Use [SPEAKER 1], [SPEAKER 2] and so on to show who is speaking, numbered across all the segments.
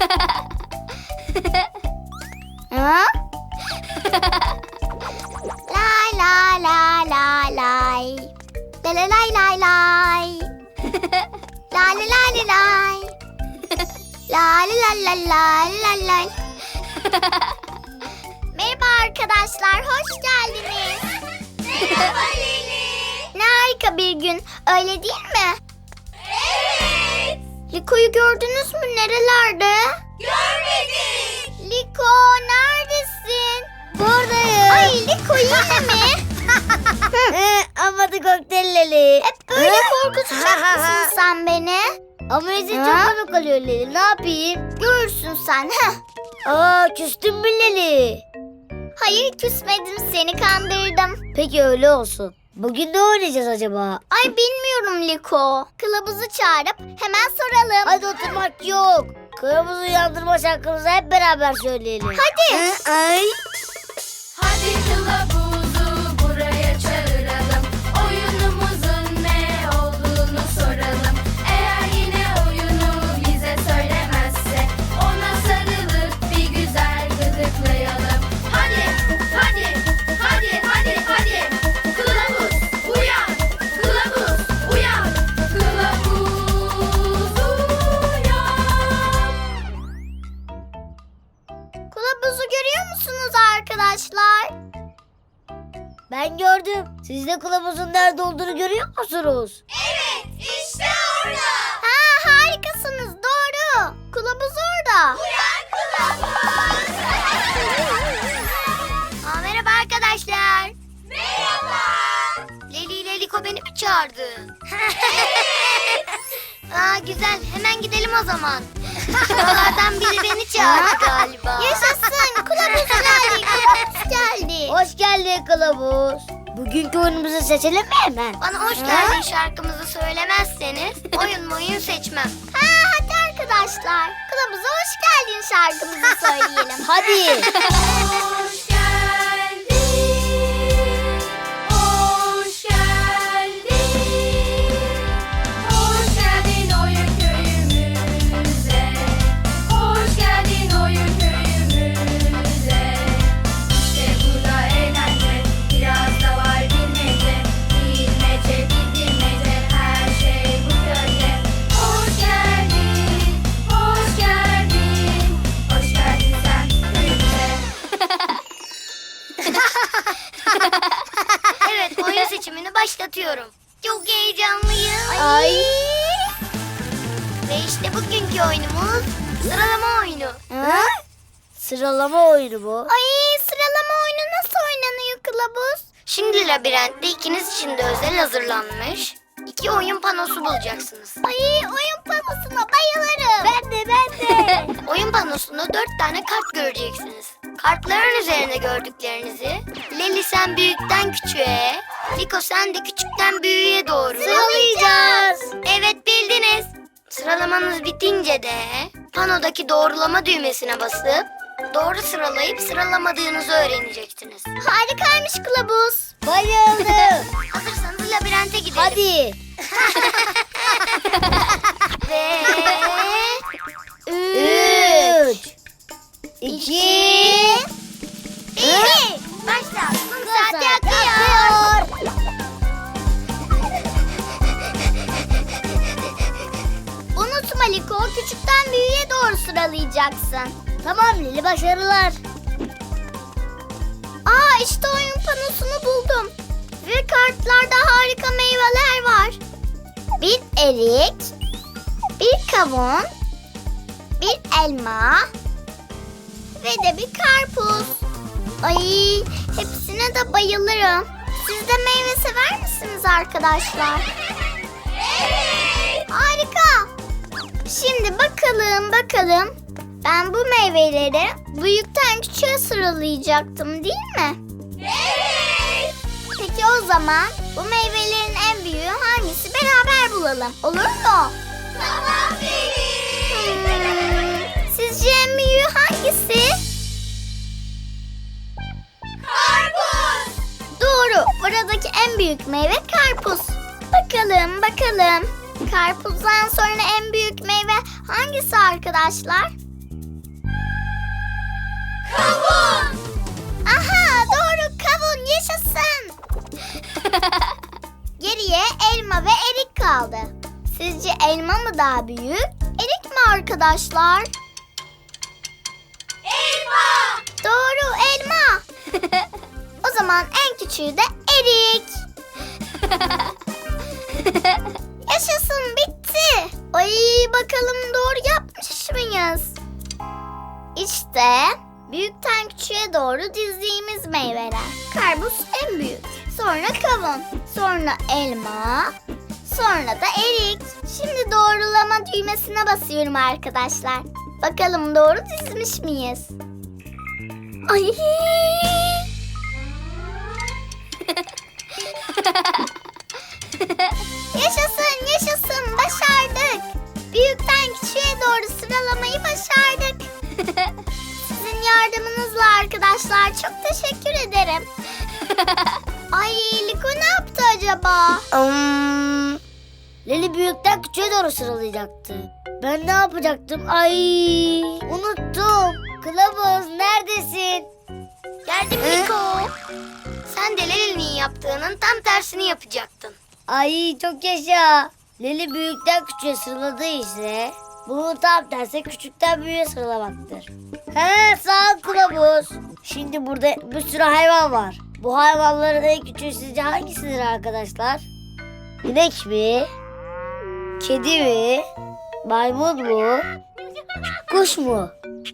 [SPEAKER 1] Ha? Lay lay lay lay lay. Lay lay lay lay lay. Lay lay lay lay lay. Lay lay lay lay lay lay. Merhaba arkadaşlar, hoş geldiniz.
[SPEAKER 2] Merhaba Leli.
[SPEAKER 1] Ne harika bir gün, öyle değil mi?
[SPEAKER 2] Evet.
[SPEAKER 1] Liko'yu gördünüz mü? Nerelerde?
[SPEAKER 2] Görmedik.
[SPEAKER 1] Liko, neredesin? Buradayım. Ay Liko, yine mi?
[SPEAKER 3] Ama da kokteyl Leli.
[SPEAKER 1] Hep böyle korkutacak mısın sen beni?
[SPEAKER 3] Ama izin çok komik oluyor Leli. Ne yapayım?
[SPEAKER 1] Görürsün sen. Heh.
[SPEAKER 3] Aa, küstün mü Leli?
[SPEAKER 1] Hayır, küsmedim, seni kandırdım.
[SPEAKER 3] Peki öyle olsun. Bugün ne oynayacağız acaba?
[SPEAKER 1] Ay bilmiyorum Liko. Kılavuzu çağırıp hemen soralım.
[SPEAKER 3] Hadi oturmak yok. Kılavuzu uyandırma şarkımızı hep beraber söyleyelim.
[SPEAKER 1] Hadi.
[SPEAKER 3] Ay.
[SPEAKER 2] Hadi kılavuzu buraya çağıralım. Oyunumuzun ne olduğunu soralım. Eğer yine oyunu bize söylemezse ona sarılıp bir güzel gıdıklayalım. Hadi, hadi, hadi, hadi, hadi. Kılavuz uyan, kılavuz uyan, kılavuz uyan.
[SPEAKER 1] Kılavuzu görüyor musunuz arkadaşlar?
[SPEAKER 3] Ben gördüm. Siz de kılavuzun nerede olduğunu görüyor musunuz?
[SPEAKER 2] Evet, işte orada.
[SPEAKER 1] Ha, harikasınız, doğru. Kılavuz orada.
[SPEAKER 2] Uyan kılavuz.
[SPEAKER 1] Merhaba arkadaşlar.
[SPEAKER 2] Merhaba.
[SPEAKER 1] Leli ile Liko beni mi çağırdı? Güzel, hemen gidelim o zaman. Oralardan biri beni çağırdı galiba. Yaşasın, kılavuz geldi, kılavuz geldi.
[SPEAKER 3] Hoş geldin kılavuz. Bugünkü oyunumuzu seçelim mi hemen?
[SPEAKER 1] Bana hoş geldin şarkımızı söylemezseniz oyun seçmem. Hadi arkadaşlar, kılavuza hoş geldin şarkımızı söyleyelim.
[SPEAKER 3] Hadi.
[SPEAKER 2] Hoş geldin. Hoş geldin. Hoş geldin oyun köyümüze. Hoş geldin oyun köyümüze. İşte burada eğlence, biraz da var bilmece. Bilmece, bildirmece, her şey bu köyde. Hoş geldin, hoş geldin. Hoş geldin sen köyümüze.
[SPEAKER 1] Evet, oyun seçimini başlatıyorum. Çok heyecanlıyım.
[SPEAKER 3] Ay.
[SPEAKER 1] Ve işte bugünkü oyunumuz sıralama oyunu.
[SPEAKER 3] Ha? Sıralama oyunu bu.
[SPEAKER 1] Ay, sıralama oyunu nasıl oynanıyor kılavuz? Şimdi labirentte ikiniz için de özel hazırlanmış 2 oyun panosu bulacaksınız. Ay, oyun panosuna bayılırım.
[SPEAKER 3] Ben de.
[SPEAKER 1] Oyun panosunda 4 tane kart göreceksiniz. Kartların üzerine gördüklerinizi Leli sen büyükten küçüğe, Liko sen de küçükten büyüğe doğru
[SPEAKER 3] Sıralayacağız.
[SPEAKER 1] Evet, bildiniz. Sıralamanız bitince de panodaki doğrulama düğmesine basıp doğru sıralayıp sıralamadığınızı öğreneceksiniz. Harikaymış kılavuz.
[SPEAKER 3] Bayıldım.
[SPEAKER 1] Hazırsanız labirente gidelim.
[SPEAKER 3] Hadi.
[SPEAKER 1] Ve
[SPEAKER 3] 3 2
[SPEAKER 1] 1 başla. Saati akıyor. Unutma Liko, küçükten büyüğe doğru sıralayacaksın.
[SPEAKER 3] Tamam Lili, başarılar.
[SPEAKER 1] İşte oyun panosunu buldum. Ve kartlarda harika meyveler var. Bir erik, bir kavun, bir elma ve de bir karpuz. Ay, hepsine de bayılırım. Siz de meyve sever misiniz arkadaşlar?
[SPEAKER 2] Evet.
[SPEAKER 1] Harika. Şimdi bakalım. Ben bu meyveleri büyükten küçüğe sıralayacaktım, değil mi?
[SPEAKER 2] Evet.
[SPEAKER 1] Peki o zaman bu meyvelerin en büyüğü hangisi, beraber bulalım. Olur mu?
[SPEAKER 2] Tamam Leli.
[SPEAKER 1] Sizce en büyüğü hangisi?
[SPEAKER 2] Karpuz.
[SPEAKER 1] Doğru. Buradaki en büyük meyve karpuz. Bakalım. Karpuzdan sonra en büyük meyve hangisi arkadaşlar?
[SPEAKER 2] Kavun.
[SPEAKER 1] Aha, doğru, kavun yaşasın. Geriye elma ve erik kaldı. Sizce elma mı daha büyük, erik mi arkadaşlar?
[SPEAKER 2] Elma.
[SPEAKER 1] Doğru, elma. O zaman en küçüğü de erik. Yaşasın, bitti. Ay, bakalım doğru yapmış mıyız? İşte büyükten küçüğe doğru dizdiğimiz meyveler. Karpuz en büyük. Sonra kavun. Sonra elma. Sonra da erik. Şimdi doğrulama düğmesine basıyorum arkadaşlar. Bakalım doğru dizmiş miyiz? Ay! Yaşasın, yaşasın, başardık. Büyükten küçüğe doğru sıralamayı başardık. Sizin yardımınızla arkadaşlar, çok teşekkür ederim. Ay, Liko ne yaptı acaba?
[SPEAKER 3] Leli büyükten küçüğe doğru sıralayacaktı. Ben ne yapacaktım? Ay, unuttum. Kılavuz neredesin?
[SPEAKER 1] Geldim Liko. Sen de Leli'nin yaptığının tam tersini yapacaktın.
[SPEAKER 3] Ay çok yaşa. Leli büyükten küçüğe sıraladığı ise bunun tam tersi küçükten büyüğe sıralamaktır. He, sağ ol kılavuz. Şimdi burada bir sürü hayvan var. Bu hayvanların en küçüğü sizce hangisidir arkadaşlar? İnek mi? Kedi mi? Maymun mu? Kuş mu?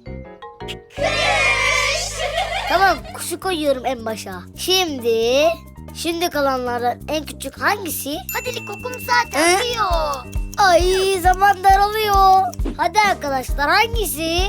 [SPEAKER 3] Tamam, kuşu koyuyorum en başa. Şimdi kalanlardan en küçük hangisi?
[SPEAKER 1] Hadi Liko, kum zaten diyor.
[SPEAKER 3] Ay, zaman daralıyor. Hadi arkadaşlar, hangisi?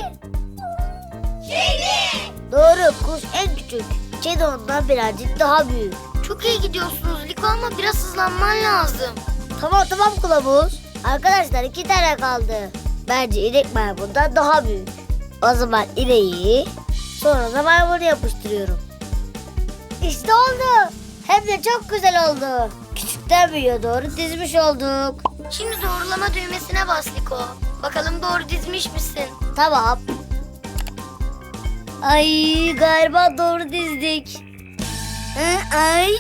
[SPEAKER 2] Kedi.
[SPEAKER 3] Doğru, kuş en küçük. Kedi ondan birazcık daha büyük.
[SPEAKER 1] Çok iyi gidiyorsunuz Liko ama biraz hızlanman lazım.
[SPEAKER 3] Tamam kılavuz. Arkadaşlar 2 tane kaldı. Bence inek maymundan daha büyük. O zaman ineği sonra da maymunu yapıştırıyorum. İşte oldu. Hem de çok güzel oldu. Küçükten büyüğe doğru dizmiş olduk.
[SPEAKER 1] Şimdi doğrulama düğmesine bas Liko. Bakalım doğru dizmiş misin?
[SPEAKER 3] Tamam. Ay, galiba doğru dizdik. Ay.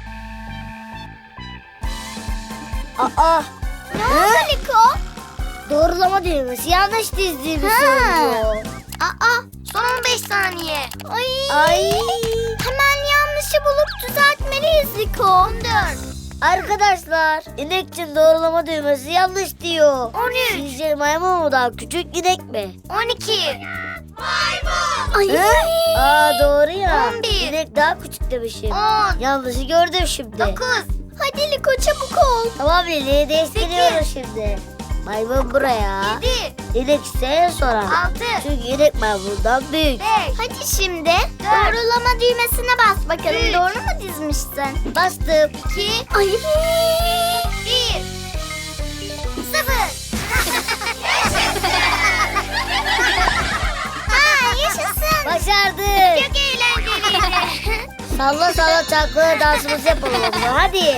[SPEAKER 3] Aa.
[SPEAKER 1] Ne oldu Liko?
[SPEAKER 3] Doğrulama düğmesi yanlış dizdiğimi
[SPEAKER 1] Ha.
[SPEAKER 3] söylüyor.
[SPEAKER 1] Aa, son 15 saniye.
[SPEAKER 3] Ay.
[SPEAKER 1] Hemen yanlışı bulup düzeltmeliyiz Liko. 14.
[SPEAKER 3] Arkadaşlar, inek için doğrulama düğmesi yanlış diyor.
[SPEAKER 1] 13.
[SPEAKER 3] Sizce maymun mu daha küçük, inek mi?
[SPEAKER 1] 12.
[SPEAKER 2] Maymun.
[SPEAKER 1] Ay.
[SPEAKER 3] Doğru ya.
[SPEAKER 1] 11.
[SPEAKER 3] İnek daha küçük demişim.
[SPEAKER 1] 10.
[SPEAKER 3] Yanlışı gördüm şimdi.
[SPEAKER 1] 9. Hadi Liko, çabuk ol.
[SPEAKER 3] Tamam Lili, değiştiriyoruz şimdi. Maymun buraya.
[SPEAKER 1] 7.
[SPEAKER 3] İnek ise en sona.
[SPEAKER 1] 6.
[SPEAKER 3] Çünkü inek maymundan büyük.
[SPEAKER 1] 5. Hadi şimdi doğrulama düğmesine bas bakalım.
[SPEAKER 2] Üç.
[SPEAKER 1] Doğru mu dizmişsin?
[SPEAKER 3] Bastım.
[SPEAKER 1] 2. Ay.
[SPEAKER 2] 1.
[SPEAKER 1] 0. Ha, yaşasın.
[SPEAKER 3] Başardık.
[SPEAKER 1] Çok eğlenceliydi.
[SPEAKER 3] Salla salla çalkala dansımızı yapalım o zaman. Hadi.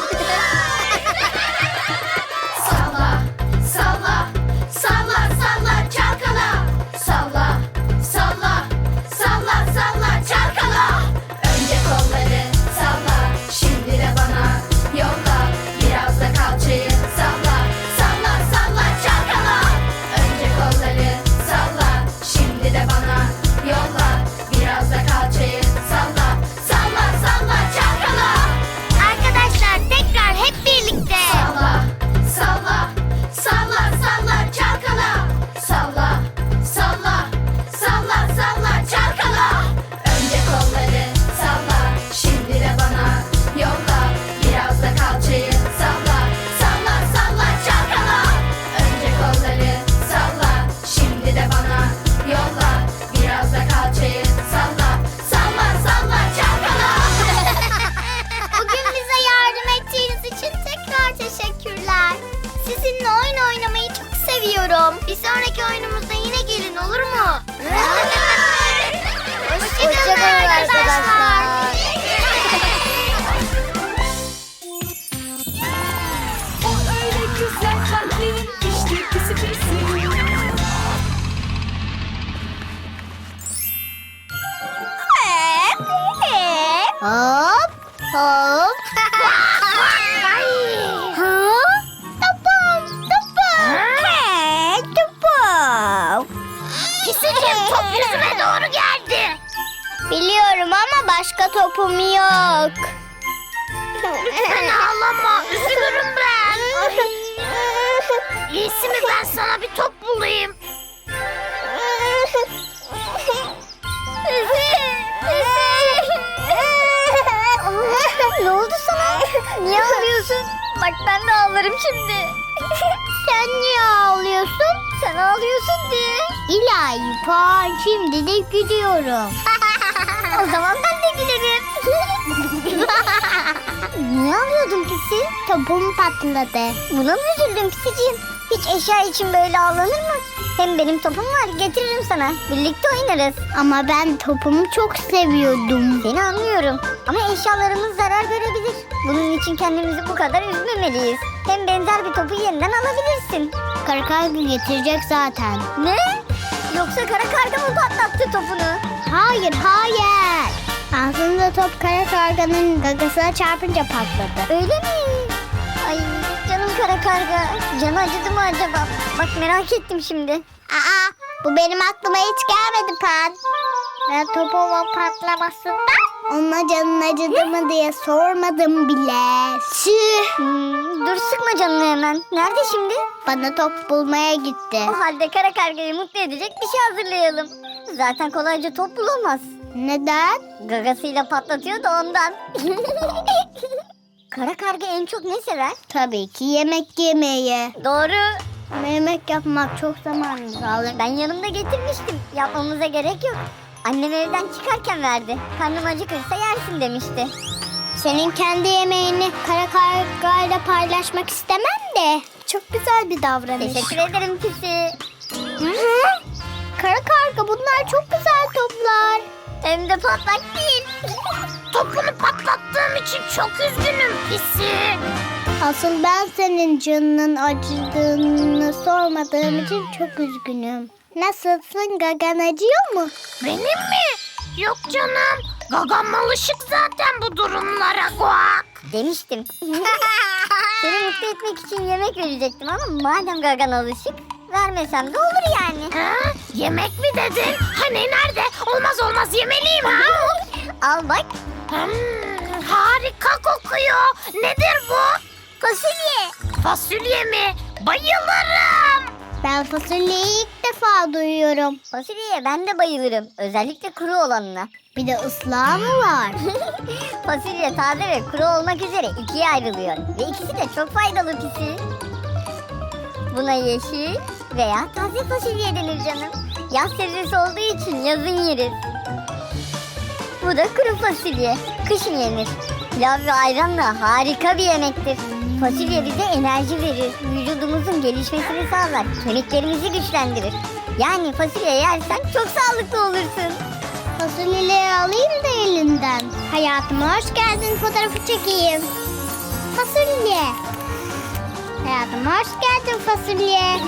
[SPEAKER 2] Salla, salla, salla, salla, çalkala. Salla, salla, salla, salla, çalkala. Önce kolları salla, şimdi de bana yolla. Biraz da kalçayı salla, salla, salla, çalkala. Önce kolları salla, şimdi de bana yolla. Biraz da kalçayı salla, salla, salla, çalkala.
[SPEAKER 1] Arkadaşlar tekrar hep birlikte.
[SPEAKER 2] Salla, salla, salla, salla, çalkala. Salla, salla, salla, salla, çalkala. Önce kolları salla, şimdi de bana yolla. Biraz da kalçayı salla, salla, salla, çalkala. Önce kolları salla, şimdi de bana yolla. Biraz da kalçayı salla, salla, salla, çalkala.
[SPEAKER 1] Bugün bize yardım ettiğiniz için tekrar teşekkürler. Sizinle oyun oynamayı çok seviyorum. Bir sonraki oyunumuzda yine gelin, olur mu? Hoşçakalın
[SPEAKER 3] Hoşçakalın
[SPEAKER 1] arkadaşlar.
[SPEAKER 3] arkadaşlar.
[SPEAKER 2] O öyle güzel kalplerin işte pisi pisi.
[SPEAKER 1] başka topum yok.
[SPEAKER 4] Lütfen ağlama. Üzülürüm ben. İyisi mi ben sana bir top bulayım?
[SPEAKER 1] Ne oldu sana? Niye ağlıyorsun? Bak ben de ağlarım şimdi. Sen niye ağlıyorsun? Sen ağlıyorsun diye. İlahi Pan, şimdi de gülüyorum. O zaman ben de gülerim. Niye ağlıyordun Pisi? Topum patladı. Buna mı üzüldün Pisiciğim? Hiç eşya için böyle ağlanır mı? Hem benim topum var, getiririm sana. Birlikte oynarız. Ama ben topumu çok seviyordum. Seni anlıyorum. Ama eşyalarımız zarar görebilir. Bunun için kendimizi bu kadar üzmemeliyiz. Hem benzer bir topu yeniden alabilirsin. Kara karga getirecek zaten. Ne? Yoksa kara karga mı patlattı topunu? Hayır, hayır. Aslında top kara karganın gagasına çarpınca patladı. Öyle mi? Ay canım kara karga. Canı acıdı mı acaba? Bak merak ettim şimdi. Aa, bu benim aklıma hiç gelmedi Pan. Ben topumun patlamasından ona canın acıdı mı diye sormadım bile. Dur sıkma canını hemen. Nerede şimdi? Bana top bulmaya gitti. O halde kara kargayı mutlu edecek bir şey hazırlayalım. Zaten kolayca top bulamaz. Neden? Gagasıyla patlatıyor da ondan. Kara karga en çok ne sever? Tabii ki yemek yemeyi. Doğru. Ama yemek yapmak çok zamanımızı alır. Ben yanımda getirmiştim. Yapmamıza gerek yok. Annem evden çıkarken verdi. Karnım acıkırsa yersin demişti. Senin kendi yemeğini kara kargayla paylaşmak istemem de. Çok güzel bir davranış. Teşekkür ederim Pisi. Hı-hı. Kara karga bunlar çok güzel toplar. Hem de patlak değil.
[SPEAKER 4] Topunu patlattığım için çok üzgünüm Pisi.
[SPEAKER 1] Asıl ben senin canının acıdığını sormadığım için çok üzgünüm. Nasılsın? Gagan acıyor mu?
[SPEAKER 4] Benim mi? Yok canım. Gagam alışık zaten bu durumlara Guak.
[SPEAKER 1] Demiştim. Seni mutlu etmek için yemek verecektim ama madem Gagan alışık vermesem de olur yani.
[SPEAKER 4] Ha? Yemek mi dedin? Hani nerede? Olmaz olmaz yemeliyim ha.
[SPEAKER 1] Al bak.
[SPEAKER 4] Harika kokuyor. Nedir bu?
[SPEAKER 1] Fasulye.
[SPEAKER 4] Fasulye mi? Bayılırım.
[SPEAKER 1] Ben fasulyeyi ilk defa duyuyorum. Fasulyeye ben de bayılırım. Özellikle kuru olanına. Bir de ıslağı mı var? Fasulye taze ve kuru olmak üzere ikiye ayrılıyor. Ve ikisi de çok faydalı Pisi. Buna yeşil veya taze fasulye denir canım. Yaz sebzesi olduğu için yazın yeriz. Bu da kuru fasulye. Kışın yenir. Pilav ve ayranla harika bir yemektir. Fasulye bize enerji verir. Vücudumuzun gelişmesini sağlar. Kemiklerimizi güçlendirir. Yani fasulye yersen çok sağlıklı olursun. Fasulyeleri alayım da elinden. Hayatıma hoş geldin, fotoğrafı çekeyim. Fasulye. Hayatıma hoş geldin fasulye.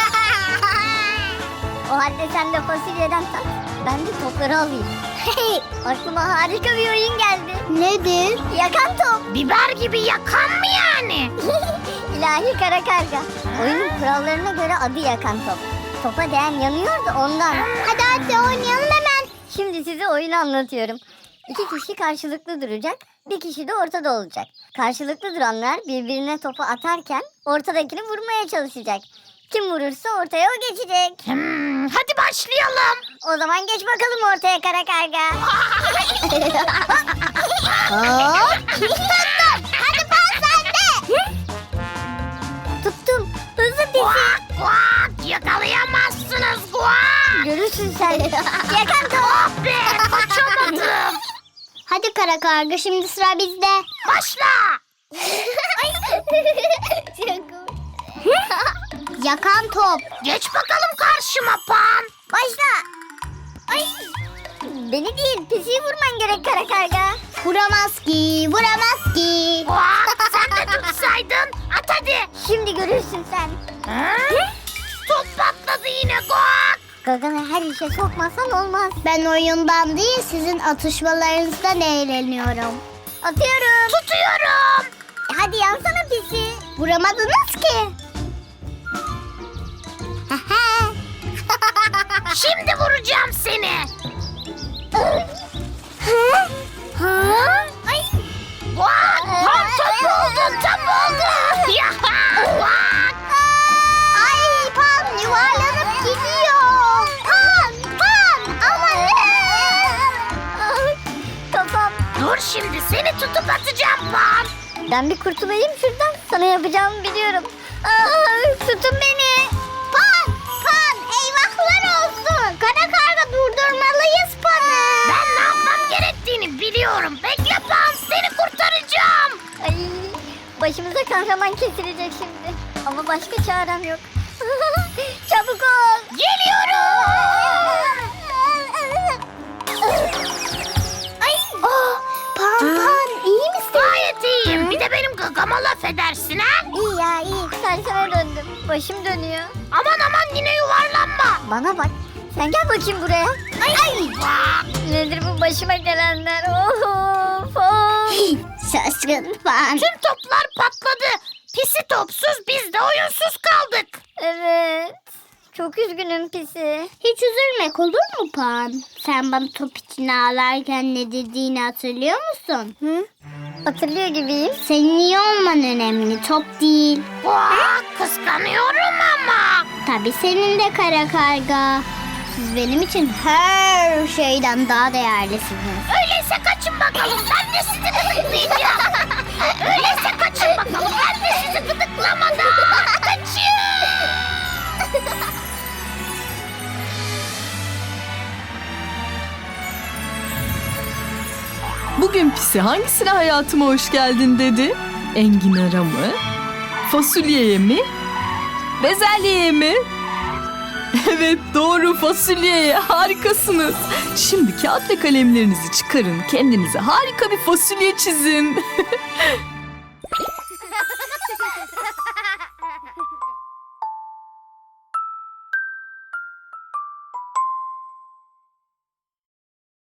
[SPEAKER 1] O halde sen de fasulyeden tat. Ben de topları alayım. Aklıma harika bir oyun geldi. Nedir? Yakan top.
[SPEAKER 4] Biber gibi yakan mı yani?
[SPEAKER 1] İlahi kara karga. Oyunun kurallarına göre adı yakan top. Topa değen yanıyor da ondan. Hadi oynayalım hemen. Şimdi size oyunu anlatıyorum. 2 kişi karşılıklı duracak. Bir kişi de ortada olacak. Karşılıklı duranlar birbirine topu atarken ortadakini vurmaya çalışacak. Kim vurursa ortaya o geçecek.
[SPEAKER 4] Hadi başlayalım.
[SPEAKER 1] O zaman geç bakalım ortaya kara karga. Hop. Tuttum. Hadi pas sende. Tuttum. Hızlı Pisi.
[SPEAKER 4] Guak guak yakalayamazsınız Guak.
[SPEAKER 1] Görürsün sen. Yakan top.
[SPEAKER 4] Oh be kaçamadım.
[SPEAKER 1] Hadi kara karga, şimdi sıra bizde.
[SPEAKER 4] Başla.
[SPEAKER 1] Yakan top.
[SPEAKER 4] Geç bakalım karşıma Pan.
[SPEAKER 1] Başla. Ay. Beni değil, Pisi'yi vurman gerek kara karga. Vuramaz ki, vuramaz ki.
[SPEAKER 4] Guak sen de tutsaydın. At hadi.
[SPEAKER 1] Şimdi görürsün sen.
[SPEAKER 4] Ha? Top patladı yine Guak.
[SPEAKER 1] Gaganı her işe sokmasan olmaz. Ben oyundan değil, sizin atışmalarınızdan eğleniyorum. Atıyorum.
[SPEAKER 4] Tutuyorum.
[SPEAKER 1] Hadi yansana Pisi. Vuramadınız ki.
[SPEAKER 4] Şimdi vuracağım seni.
[SPEAKER 1] Ha? Ay.
[SPEAKER 4] Bak, tam top oldu. Bak.
[SPEAKER 1] Ay Pan yuvarlanıp gidiyor. Pan ama ne? Kafam.
[SPEAKER 4] Dur şimdi seni tutup atacağım Pan.
[SPEAKER 1] Ben bir kurtulayım şuradan. Sana yapacağımı biliyorum. Tutun beni. Pan eyvahlar olsun. Kara karga durdurmalıyız Pan'ı.
[SPEAKER 4] Ben ne yapmam gerektiğini biliyorum. Bekle Pan, seni kurtaracağım.
[SPEAKER 1] Ay, başımıza kahraman kesilecek şimdi. Ama başka çarem yok. Çabuk ol.
[SPEAKER 4] Geliyorum.
[SPEAKER 1] Ay. Pan iyi misin?
[SPEAKER 4] Gayet iyiyim. Bir de benim gagama laf edersin ha?
[SPEAKER 1] İyi ya iyi. Serseme döndüm. Başım dönüyor.
[SPEAKER 4] Aman yine yuvarlanma.
[SPEAKER 1] Bana bak. Sen gel bakayım buraya. Ay.
[SPEAKER 4] Bak.
[SPEAKER 1] Nedir bu başıma gelenler? Of. Şaşkın Pan.
[SPEAKER 4] Tüm toplar patladı. Pisi topsuz, biz de oyunsuz kaldık.
[SPEAKER 1] Evet. Çok üzgünüm Pisi.
[SPEAKER 5] Hiç üzülmek olur mu Pan? Sen bana top için ağlarken ne dediğini hatırlıyor musun?
[SPEAKER 1] Hı? Hatırlıyor gibiyim.
[SPEAKER 5] Senin iyi olman önemli, top değil.
[SPEAKER 4] Bak, kıskanıyorum ama.
[SPEAKER 5] Tabii senin de kara karga. Siz benim için her şeyden daha değerlisiniz.
[SPEAKER 4] Öyleyse kaçın bakalım. Ben de sizi gıdıklayacağım. Öyleyse kaçın bakalım. Ben de sizi gıdıklamadan. Kaçın.
[SPEAKER 6] Bugün Pisi hangisine hayatıma hoş geldin dedi? Enginara mı? Fasulyeye mi? Bezelyeye mi? Evet doğru, fasulyeye. Harikasınız. Şimdi kağıt ve kalemlerinizi çıkarın. Kendinize harika bir fasulye çizin.